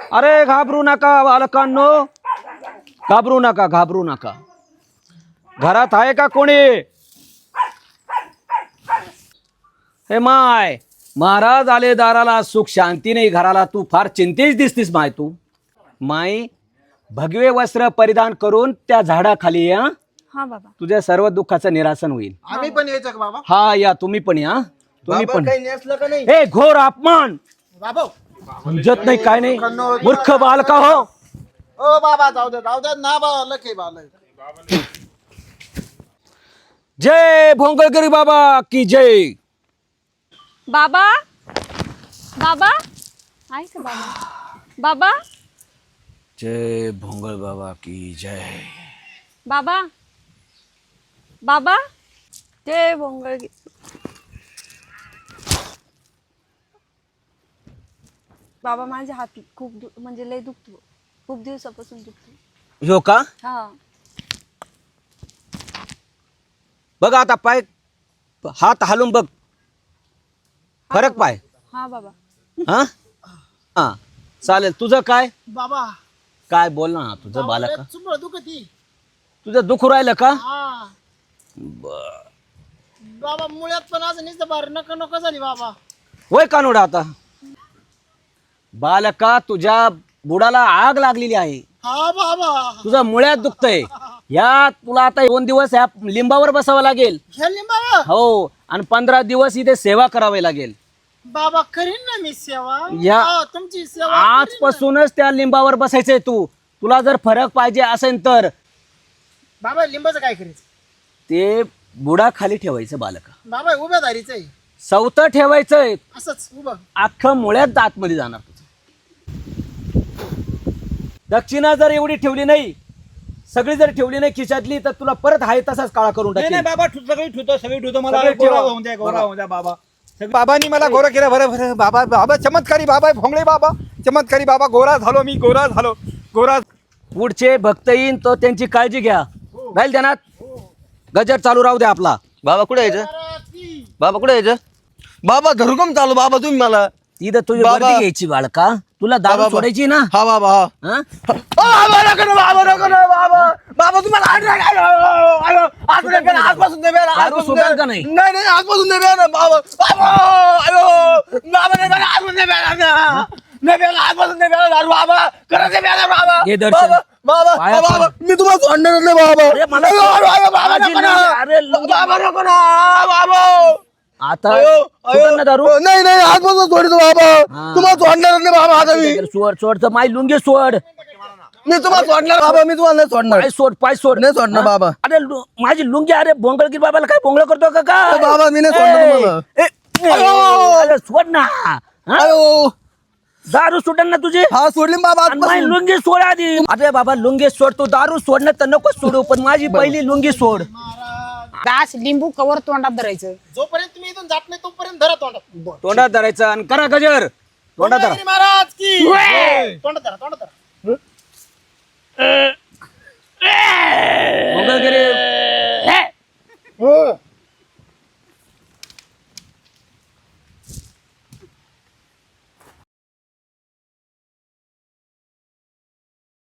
अरे घाबरू नका बालकांनो, घाबरू नका, घाबरू नका. घरात आहे का कोणी? हे माय, महाराज आले दाराला, सुख शांती नाही घराला. तू फार चिंतेच दिसतीस माय. तू माई भगवे वस्त्र परिधान करून त्या झाडाखाली या. हा बाबा. तुझ्या सर्व दुःखाचं निरासन होईल. आम्ही पण यायचं का बाबा? हा या, तुम्ही पण या. तुम्ही पण. काही नेसलं का नाही हे घोर अपमान, बाबा? समजत नाही काय नाही, मूर्ख बालका हो. ओ बाबा जाऊ दे ना बालक आहे बालक. जय भोंगळगिरी बाबा की जय. बाबा बाबा आहे का बाबा? बाबा जय भोंगळ बाबा की जय. बाबा बाबा जय भोंगळ. बाबा माझ्या हात खूप म्हणजे लय दुखतो, खूप दिवसापासून दुखतो. हो का? हा. बघ आता पाय, हात हालून बघ, फरक पाय. हा बाबा. हा हा चालेल. तुझं काय बाबा काय बोल ना, तुझं बालक चुंबळ दुखती. तुझं दुखू राहिलं का? हा बाबा मुळ्यात पण आज नुसतं बार नको नको झाली बाबा. वय कानोडा आता बालका, तुझ्या बुडाला आग लागलेली आहे. हा बाबा. तुझं मुळ्यात दुखतंय. या तुला आता 2 दिवस या लिंबावर बसावं लागेल. हे लिंबावा हो, आणि 15 दिवस इथे सेवा करावी लागेल. बाबा करीन ना मी सेवा. या. हा, तुमची सेवा करीन ना. आजपासूनच त्या लिंबावर बसायचंय तू. तुला जर फरक पाहिजे असेल तर बाबा लिंबाचं काय करायचं? ते बुडा खाली ठेवायचं बालका. बाबा उभ्या धारीचं आहे. सवतं ठेवायचंय. असंच उभं. अख्खं मुळ्यात आतमध्ये जाणार तुझं. दक्षिणा जर एवढी ठेवली नाही, सगळी जर ठेवली नाही खिशातली, तर तुला परत हाय तसाच काळा करून नाही टाकेल. बाबा सगळी ठेवतो मला सगळे गोरा ठेवा. होऊन द्या, गोरा होऊन द्या बाबा. बाबांनी मला गोरा केला. बरं बाबा, बाबा चमत्कारी बाबा आहे, भोंगळे बाबा चमत्कारी बाबा. गोरा झालो मी, गोरा झालो, गोरा. पुढचे भक्त येईन तो त्यांची काळजी घ्या. राहील ध्यानात. गजर चालू राहू द्या आपला. बाबा कुठे यायचं? बाबा कुठे यायचं? बाबा धरुकम चालू बाबा तुम्ही मला. तिथं तुझी बाबा. वर्दी घ्यायची बाळका. तुला दारू बाबा. सोडायची ना. हा बाबा हा. हा? बाबा नको ना, बाबा नको ना, बाबा. बाबा तुम्हाला आजपासून नाही बेला, दारू सोडाल का नाही? नाही नाही आजपासून नाही बेला बाबा. बाबा अयो बाबा नाही बेला, आजपासून नाही बेला ना. नाही बेला, आजपासून नाही बेला दारू बाबा. खरंच नाही बेला बाबा. हे दर्शन. बाबा बाबा पाया बाबा मी तुम्हाला सोडणार नाही बाबा. अरे मला- अयो, अयो, अयो, बाबा माझी नको ना. अरे लुंगी- बाबा नको ना बाबा. आता अयो, सोडल ना दारू. अयो. नाही नाही आजपासून सोडतो बाबा. हा. तुम्हाला सोडणार नाही बाबा आता मी. सोड सोड तर माय लुंगी सोड. मी तुम्हाला सोडणार बाबा. मी तुम्हाला नाही सोडणार. पाय सोड, पाय सोड. नाही सोडणार हा? बाबा. अरे माझी लुंगी. अरे भोंगळगिरी बाबाला काय भोंगळ करतो का काय? बाबा मी नाही सोडणार तुम्हाला. अरे सोड ना. हा? अयो दारू सोडन ना तुझी. हा सोडली बाबा आणि माझी आजपासून. लुंगी सोड आधी. अरे बाबा लुंगी सोड. तू दारू सोडणं तर नको सोडू, पण माझी पहिली लुंगी सोड. दास लिंबू कवर तोंडात धरायचं. जोपर्यंत तुम्ही इथून जात नाही तोपर्यंत धरा तोंडात. तोंडात धरायचं आणि करा गजर. तोंडात धरा. महाराज की तोंडात धरा, तोंडात धरा.